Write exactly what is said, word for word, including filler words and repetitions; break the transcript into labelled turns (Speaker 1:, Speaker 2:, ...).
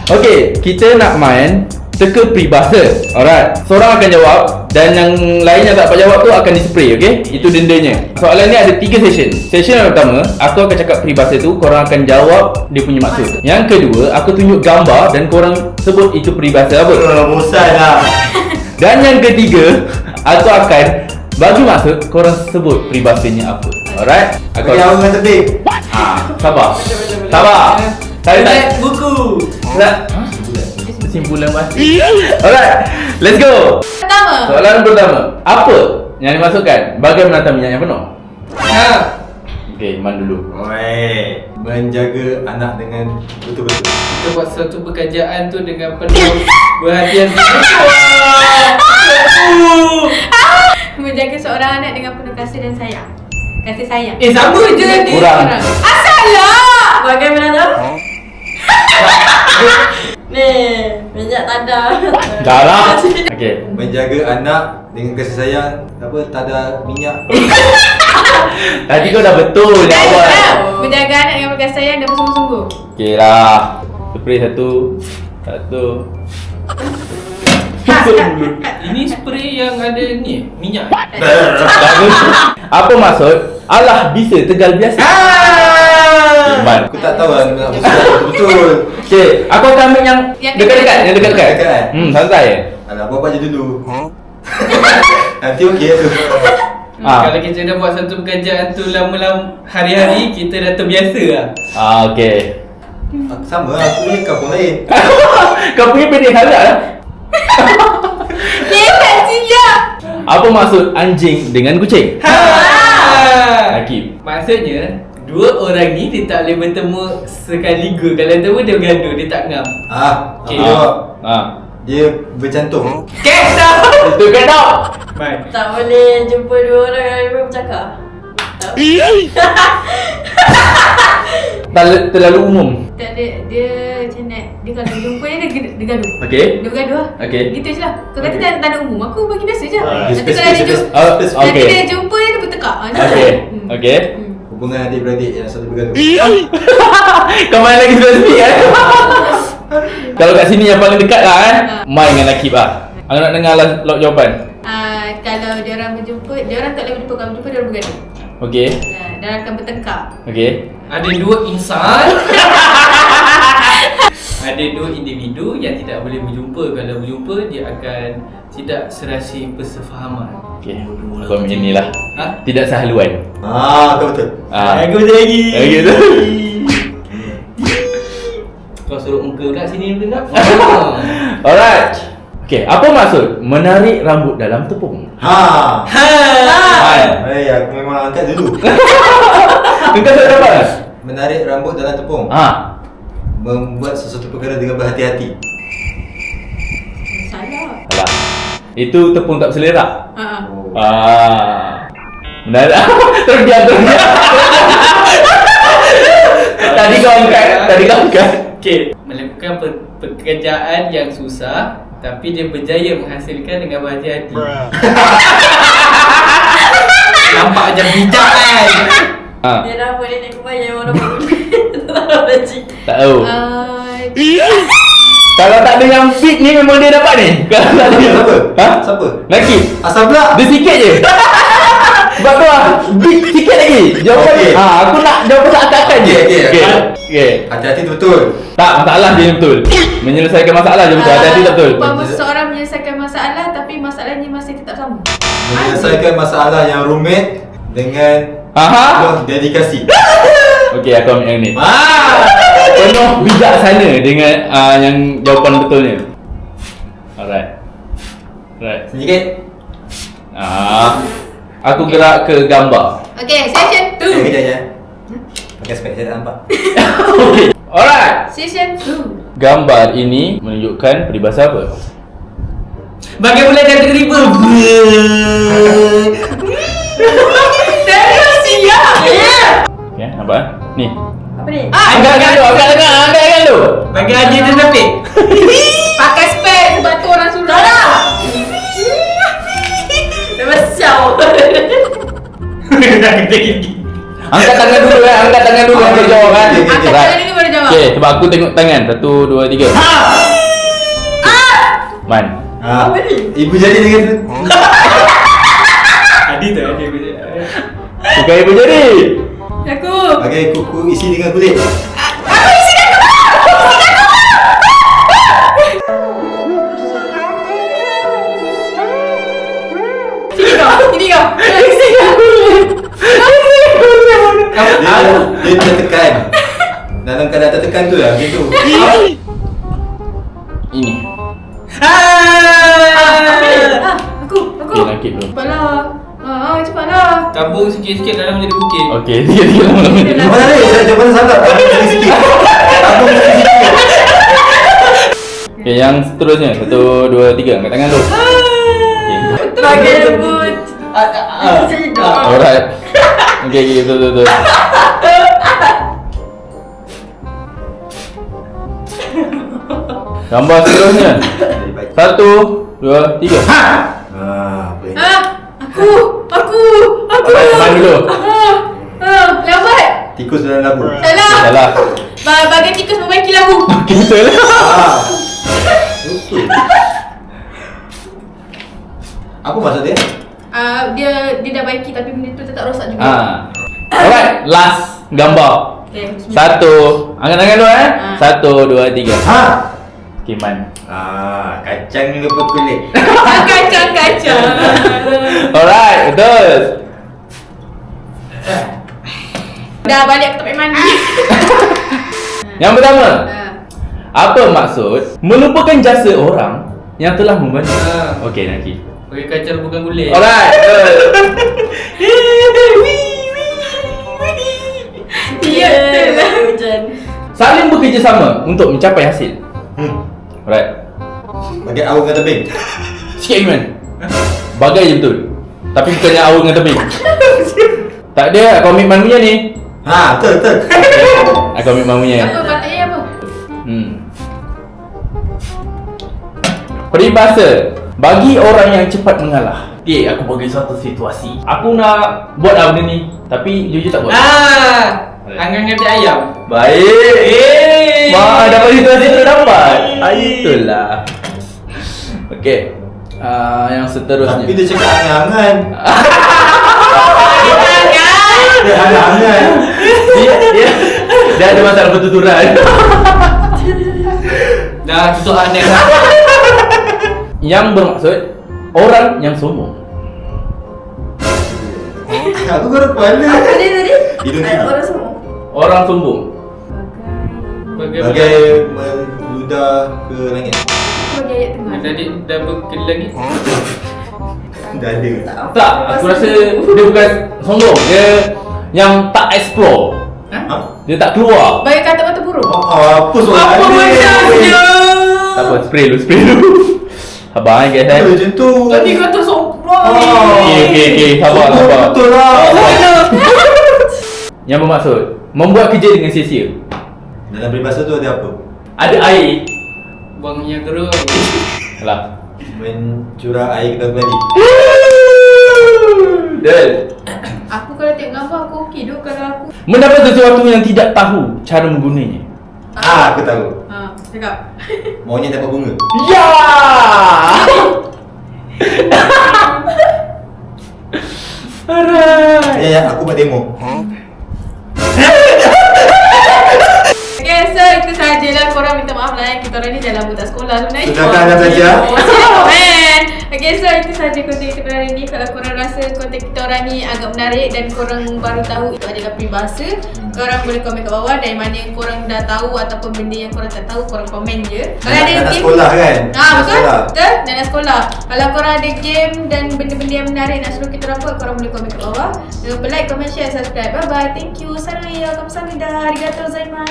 Speaker 1: Okay, kita nak main teka peribahasa. Alright, seorang akan jawab dan yang lain yang tak dapat jawab tu akan dispray, okay? Itu dendanya. Soalan ni ada tiga session. Session yang pertama, aku akan cakap peribahasa tu, korang akan jawab dia punya maksud. Yang kedua, aku tunjuk gambar dan korang sebut itu peribahasa apa.
Speaker 2: Oh, bosan lah.
Speaker 1: Dan yang ketiga, aku akan bagi maksud, korang sebut peribahasanya apa. Alright? Aku
Speaker 2: Bagi awak dengan tebing.
Speaker 1: Ha, sabar. Sabar. Saya tak
Speaker 2: buku.
Speaker 1: nak kesimpulan pasti. Alright, let's go.
Speaker 3: Pertama.
Speaker 1: Soalan pertama, apa yang dimaksudkan bagai menata minyak yang penuh?
Speaker 2: Ha.
Speaker 1: Okey, Man dulu.
Speaker 2: Oi, menjaga anak dengan betul-betul.
Speaker 4: Kita buat satu pekerjaan tu dengan penuh perhatian.
Speaker 3: Menjaga seorang anak dengan penuh kasih dan sayang. Kasih sayang.
Speaker 4: Eh, sama je ni.
Speaker 1: Kurang.
Speaker 3: Asal lah.
Speaker 5: Bagaimana tu? Ni, minyak tanda.
Speaker 1: Dah lah. Okey.
Speaker 2: Menjaga anak dengan kasih sayang, apa tak ada minyak.
Speaker 1: Tadi kau dah betul jawab.
Speaker 3: Menjaga anak dengan penuh kasih sayang dan bersungguh-sungguh.
Speaker 1: Okey lah. Spray satu. Satu.
Speaker 4: Ini spray yang ada ni, minyak.
Speaker 1: Bagus. Apa maksud? Allah bisa tegal biasa.
Speaker 2: Ah!
Speaker 1: Man.
Speaker 2: Aku tak tahu lah nak betul-betul.
Speaker 1: Okey, aku akan ambil yang
Speaker 3: Yang
Speaker 1: dekat-dekat, yang dekat-dekat.
Speaker 2: Dekat-dekat.
Speaker 1: Hmm, santai.
Speaker 2: Alah, buat apa je dulu. Nanti okey tu.
Speaker 4: Hmm,
Speaker 1: Ah.
Speaker 4: Kalau kita dah buat satu pekerjaan tu lama-lama hari-hari, kita dah terbiasa lah.
Speaker 1: Ah, okey.
Speaker 2: Sama lah, aku punya kampung lain.
Speaker 1: Kau punya pendek sangat lah.
Speaker 3: Dia tak siap.
Speaker 1: Apa maksud anjing dengan kucing?
Speaker 4: Ha.
Speaker 1: Hakim.
Speaker 4: Maksudnya, dua orang ni dia tak boleh bertemu sekaligus. Kalau bertemu dia bergaduh, dia tak ngam.
Speaker 2: Ah,
Speaker 4: Okey.
Speaker 2: aku jawab.
Speaker 1: Ah.
Speaker 2: Dia bercantum.
Speaker 4: Catch dah.
Speaker 1: Itu kan tau.
Speaker 4: Bye.
Speaker 5: Tak boleh jumpa dua orang yang bercakap. Tak.
Speaker 1: Terlalu, terlalu umum.
Speaker 3: Tak ada, dia macam nak. Dia kalau jumpa dia, dia, dia gaduh.
Speaker 1: Okey.
Speaker 3: Dia bergaduh lah.
Speaker 1: Okey.
Speaker 3: Gitu je lah. Kau kata tak, tak ada umum, aku bagi biasa je.
Speaker 2: Ah,
Speaker 3: Nanti
Speaker 2: spesifik,
Speaker 3: kalau dia
Speaker 2: spesifik.
Speaker 3: jumpa,
Speaker 1: Oh,
Speaker 3: nanti
Speaker 1: okey.
Speaker 3: dia jumpa dia, dia bertekak. Ah, macam
Speaker 1: Okey.
Speaker 3: tu. Hmm.
Speaker 1: Okey.
Speaker 3: Hmm.
Speaker 2: Hubungan adik-beradik yang selalu bergaduh.
Speaker 1: Kau main lagi spesifik kan? Kalau kat sini yang paling dekat lah eh. Main dengan Akib lah. Aku nak dengar lah lot jawapan.
Speaker 3: Ah, kalau dia orang berjumpa, dia orang tak boleh berjumpa. Kalau berjumpa, dia orang bergaduh.
Speaker 1: Okey.
Speaker 3: Ah, dia orang akan bertengkar.
Speaker 1: Okey.
Speaker 4: Ada dua insan. Ada dua individu yang tidak boleh berjumpa. Kalau berjumpa, dia akan tidak serasi persefahaman.
Speaker 1: Okey. Aku ambil ni lah.
Speaker 4: Ha?
Speaker 1: Tidak sehaluan.
Speaker 2: Ah, kau betul.
Speaker 1: Ah.
Speaker 4: Aku betul lagi.
Speaker 1: Lagi tu.
Speaker 4: Kau suruh muka kat sini pun tak?
Speaker 1: Alright. Okey, apa maksud menarik rambut dalam tepung?
Speaker 2: Ha.
Speaker 4: Ha.
Speaker 2: Eh, aku memang angkat dulu.
Speaker 1: Engkau tak dapat?
Speaker 2: Menarik rambut dalam tepung.
Speaker 1: Ha.
Speaker 2: Membuat sesuatu perkara dengan berhati-hati.
Speaker 3: Salah.
Speaker 1: Salah. Itu tepung tak berselerak.
Speaker 3: Ha. Ah.
Speaker 2: Oh.
Speaker 1: Ah. Menarik. Terdiam, terdiam. Tadi kau angkat, tadi kau angkat.
Speaker 4: Okey, melakukan pe- pekerjaan yang susah tapi dia berjaya menghasilkan dengan berhati-hati. Nampak macam bijak kan?
Speaker 1: Ha.
Speaker 5: Dia dah boleh naik kebaya orang baru. Tak tahu lagi.
Speaker 1: Tak tahu.
Speaker 3: Ah,
Speaker 1: Kalau tak ada yang fit ni memang dia dapat ni. Kalau tak ada.
Speaker 2: Siapa?
Speaker 1: Ha?
Speaker 2: Siapa?
Speaker 1: Nakib.
Speaker 2: Asal pula.
Speaker 1: Dia sikit je. Sebab tu lah. Big sikit lagi. Jawapan
Speaker 2: Okey.
Speaker 1: ha, aku nak jawapan seakan-akan je.
Speaker 2: Okey, okey.
Speaker 1: Okey. Okey.
Speaker 2: Hati-hati tu betul.
Speaker 1: Tak, masalah dia betul. Menyelesaikan masalah je betul. Hati-hati tak betul.
Speaker 3: Umpama seseorang menyelesaikan masalah tapi masalahnya masih tetap sama.
Speaker 2: Menyelesaikan masalah yang rumit dengan
Speaker 1: Aha.
Speaker 2: penuh dedikasi.
Speaker 1: Okey, aku ambil yang ni.
Speaker 2: Ah.
Speaker 1: Penuh bijaksana dengan uh, yang jawapan betulnya. Alright. Alright.
Speaker 2: Sedikit.
Speaker 1: Ah. Aku gerak ke gambar.
Speaker 3: Okay, session
Speaker 2: Eh,
Speaker 3: two.
Speaker 2: kejap je. Pakai spek saya tak nampak.
Speaker 1: Okey. Alright.
Speaker 3: Session two.
Speaker 1: Gambar ini menunjukkan peribahasa apa?
Speaker 4: Bagaimana kategori ber?
Speaker 3: Serius siap.
Speaker 1: Okey, nampak? Ni.
Speaker 5: Apa ni?
Speaker 3: Ah,
Speaker 1: Angkat angkat tu, angkat angkat, angkat angkat tu.
Speaker 4: Bagi Haji dia tapi.
Speaker 3: pakai spek sebab tu orang suruh.
Speaker 5: Tak nak. Memang sial.
Speaker 4: Dah kita gigi.
Speaker 1: Angkat tangan dulu kan, angkat tangan dulu yang boleh jawab kan.
Speaker 2: Okay, okay,
Speaker 3: Angkat tangan dulu baru jawab.
Speaker 1: Okay, sebab aku tengok tangan. Satu, dua, tiga. Man.
Speaker 2: Ha. Ibu jadi dengan
Speaker 4: Adi tu Adi boleh.
Speaker 1: Bukan ibu jadi.
Speaker 3: Aku.
Speaker 2: pakai kuku isi dengan kulit.
Speaker 3: Sini kau. Sini kau. Sini kau.
Speaker 2: Dia, dia tertekan. Dalam keadaan tertekan tu lah gitu.
Speaker 1: Ini.
Speaker 3: Ah, aku. Aku.
Speaker 1: Okay, nakit dulu.
Speaker 3: Cepatlah. Ah, cepatlah.
Speaker 4: Tabung sikit-sikit dalam jadi bukit.
Speaker 1: Okay, tiga, tiga, lama-lama.
Speaker 2: Mana ni? Saya jawapan salah. Abang sikit. Abang sikit.
Speaker 1: Okay, yang seterusnya. Satu, dua, tiga. Angkat tangan dulu. Okay.
Speaker 5: Bagai lembut.
Speaker 1: Alright. Okay, okay, betul, betul, betul. Gambar seterusnya. Satu, dua, tiga. Ha!
Speaker 2: Ah, boleh.
Speaker 3: Ah, aku. Aku. Aku.
Speaker 1: Alright, man dulu.
Speaker 3: Ah, ah, lambat.
Speaker 2: Tikus dalam labu.
Speaker 3: Salah.
Speaker 1: Salah.
Speaker 3: Ba- Bagai tikus membaiki labu.
Speaker 1: Okay, betul.
Speaker 2: Ah. Betul. Apa maksud dia?
Speaker 3: Ah, dia dia dah baiki tapi benda tu tetap rosak juga.
Speaker 1: Ah. Alright, last gambar.
Speaker 3: Okay, bismillah.
Speaker 1: Satu. Angkat tangan dulu eh.
Speaker 3: Ah.
Speaker 1: Satu, dua, tiga.
Speaker 2: Ha.
Speaker 1: Okay, man.
Speaker 2: Ah, kacang ni lepas kulit.
Speaker 3: Kacang-kacang.
Speaker 1: Alright, betul.
Speaker 3: Dah balik aku tak payah mandi.
Speaker 1: Yang pertama,
Speaker 3: Ah.
Speaker 1: apa maksud melupakan jasa orang yang telah membantu?
Speaker 4: Ah.
Speaker 1: Okey, Naki.
Speaker 4: Pakai kacang bukan kulit.
Speaker 1: Alright, betul.
Speaker 3: Ya, betul lah.
Speaker 5: Hujan.
Speaker 1: Saling bekerjasama untuk mencapai hasil.
Speaker 2: Hmm.
Speaker 1: Alright.
Speaker 2: Bagai awang dengan tebing.
Speaker 1: Sikit lagi, man. Bagai je betul. Tapi bukannya awal dengan tebing. Tak ada komitmen punya ni.
Speaker 2: Ha, betul betul.
Speaker 1: Ah, komitmen punya.
Speaker 3: Apa patutnya apa?
Speaker 1: Hmm. Peribahasa bagi orang yang cepat mengalah. Okay, aku bagi satu situasi. Aku nak buat lah benda ni, tapi jujur tak buat.
Speaker 4: Ah, angin ngerti ayam.
Speaker 1: Baik.
Speaker 4: Eh.
Speaker 1: Wah, dapat situasi tu dapat. Ah, itulah. Okay. Uh, yang seterusnya.
Speaker 2: Tapi dia cakap angan-angan. Dia angan-angan.
Speaker 1: dia, dia, dia ada masalah pertuturan.
Speaker 4: Dah tutup aneh.
Speaker 1: Yang bermaksud orang yang sombong.
Speaker 2: Aku baru kepala.
Speaker 5: Apa dia tadi?
Speaker 2: Hidung
Speaker 5: Ada
Speaker 2: tinggi.
Speaker 5: orang semua.
Speaker 1: Orang sombong.
Speaker 4: Bagai
Speaker 2: Bagai meludah ke langit.
Speaker 3: Bagi ayat tengah.
Speaker 4: Tadi dah berkeli lagi.
Speaker 2: Dah ada.
Speaker 1: Tak, aku rasa dia bukan sombong. Dia yang tak explore.
Speaker 2: Ha?
Speaker 1: Dia tak keluar.
Speaker 3: Bagi kata-kata buruk.
Speaker 2: Oh, apa soalan
Speaker 4: Apa macamnya?
Speaker 1: Tak apa, spray dulu, spray dulu. Sabar eh guys eh.
Speaker 2: Macam tu.
Speaker 4: Tadi kata sombong.
Speaker 1: Okey, okey, okey. Sabar,
Speaker 2: Betul,
Speaker 1: sabar.
Speaker 2: betul lah.
Speaker 1: Yang bermaksud membuat kerja dengan sia-sia.
Speaker 2: Dalam peribahasa tu ada apa?
Speaker 1: Ada air.
Speaker 4: Buang yang geruk.
Speaker 1: Alah.
Speaker 2: Mencurah air ke dalam keladi.
Speaker 1: Del.
Speaker 3: Aku kalau tengok gambar aku okey tu kalau aku.
Speaker 1: Mendapat sesuatu yang tidak tahu cara menggunanya.
Speaker 2: Ah, aku tahu.
Speaker 3: Ha, cakap.
Speaker 2: Maunya dapat bunga.
Speaker 1: Ya. Alright.
Speaker 2: Ya, ya, aku buat demo.
Speaker 3: Okay, so itu sajalah. Korang minta maaf lah eh. Kita orang ni dah lama tak sekolah sebenarnya.
Speaker 2: Sudahkah anda belajar?
Speaker 3: Oh, sila komen. Okay, so itu saja konten kita pada hari ni. Kalau korang rasa konten kita orang ni agak menarik dan korang baru tahu itu adalah peribahasa, korang boleh komen kat bawah dari mana yang korang dah tahu ataupun benda yang korang tak tahu, korang komen je. Kalau
Speaker 2: Nak-
Speaker 3: ada
Speaker 2: nak
Speaker 3: game
Speaker 2: sekolah kan?
Speaker 3: Ah,
Speaker 2: Nak
Speaker 3: betul?
Speaker 2: sekolah.
Speaker 3: Betul? Dan nak sekolah. Kalau korang ada game dan benda-benda yang menarik nak suruh kita orang buat, korang boleh komen kat bawah. Jangan lupa like, comment, share, subscribe. Bye bye. Thank you. Saraya. Kamsahamnida. Arigatou gozaimasu.